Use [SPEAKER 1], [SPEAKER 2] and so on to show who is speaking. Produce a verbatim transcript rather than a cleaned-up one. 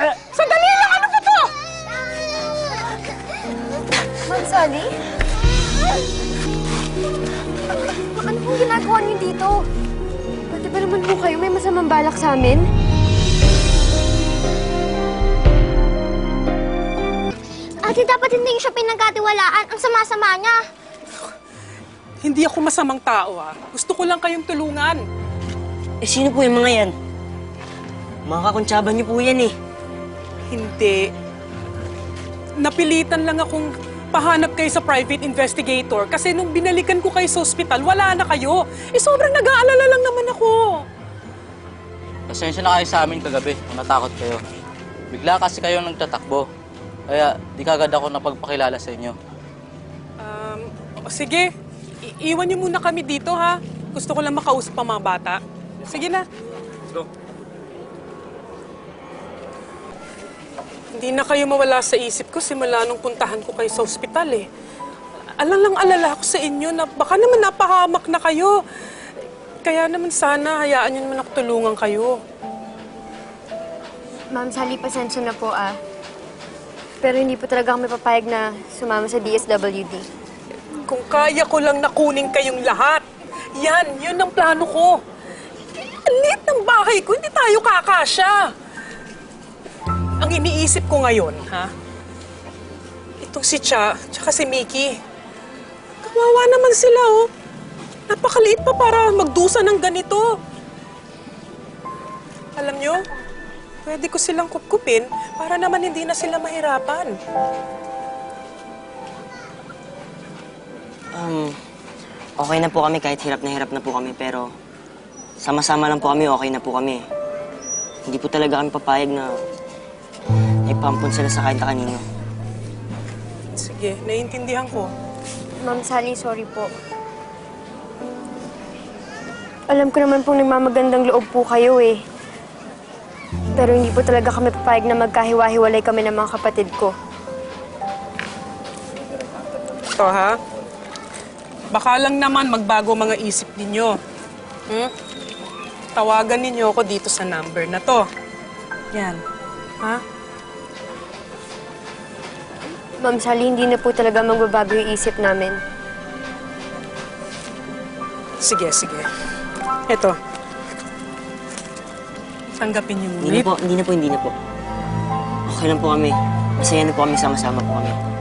[SPEAKER 1] Sandali lang! Ano ba to?
[SPEAKER 2] Ma'am Sally? Ano pong ginagawa niyo dito? Pati ba naman po kayo may masamang balak sa amin?
[SPEAKER 3] Ate, dapat hindi siya pinagkatiwalaan. Ang sama-sama niya.
[SPEAKER 1] Hindi ako masamang tao, ha? Gusto ko lang kayong tulungan.
[SPEAKER 4] Eh, sino po yung mga yan? Mga kakuntsaba niyo po yan eh.
[SPEAKER 1] Hindi. Napilitan lang akong pahanap kayo sa private investigator kasi nung binalikan ko kayo sa ospital, wala na kayo. Eh, sobrang nag-aalala lang naman ako.
[SPEAKER 5] Pasensya na kayo sa amin kagabi kung natakot kayo. Bigla kasi kayo nagtatakbo. Kaya di kagad ako napagpakilala sa inyo.
[SPEAKER 1] Um, sige, I- iwan niyo muna kami dito, ha? Gusto ko lang makausap ang mga bata. Sige na.
[SPEAKER 5] Let's go.
[SPEAKER 1] Hindi na kayo mawala sa isip ko simula nung puntahan ko kayo sa ospital, eh. Alang lang alala ako sa inyo na baka naman napahamak na kayo. Kaya naman sana hayaan niyo naman ako tulungan kayo.
[SPEAKER 2] Ma'am Sally, pasensya na po ah. Pero hindi po talaga kami papayag na sumama sa D S W D.
[SPEAKER 1] Kung kaya ko lang nakunin kayong lahat, yan, yun ang plano ko. Ang liit ng bahay ko, hindi tayo kakasya. Ang iniisip ko ngayon, ha? Itong si Cha, tsaka si Mickey. Kawawa naman sila, oh. Napakaliit pa para magdusa ng ganito. Alam nyo, pwede ko silang kupkupin para naman hindi na sila mahirapan.
[SPEAKER 4] Um, okay na po kami kahit hirap na hirap na po kami, pero sama-sama lang po kami, okay na po kami. Hindi po talaga kami papayag na ipampun sila sa kahit kanino.
[SPEAKER 1] Sige, naiintindihan ko.
[SPEAKER 2] Ma'am Sally, sorry po. Alam ko naman pong nagmamagandang loob po kayo eh. Pero hindi po talaga kami papayag na magkahiwa-hiwalay kami ng mga kapatid ko.
[SPEAKER 1] Ito, ha? Baka lang naman magbago mga isip ninyo. Hmm? Tawagan ninyo ako dito sa number na to. Yan. Ha?
[SPEAKER 2] Ma'am Sally, hindi na po talaga magbabago yung isip namin.
[SPEAKER 1] Sige, sige. Ito. Tanggapin niyo muna.
[SPEAKER 4] Hindi na po, hindi na po, hindi na po. Okay lang po kami. Masaya na po kami, sama-sama po kami.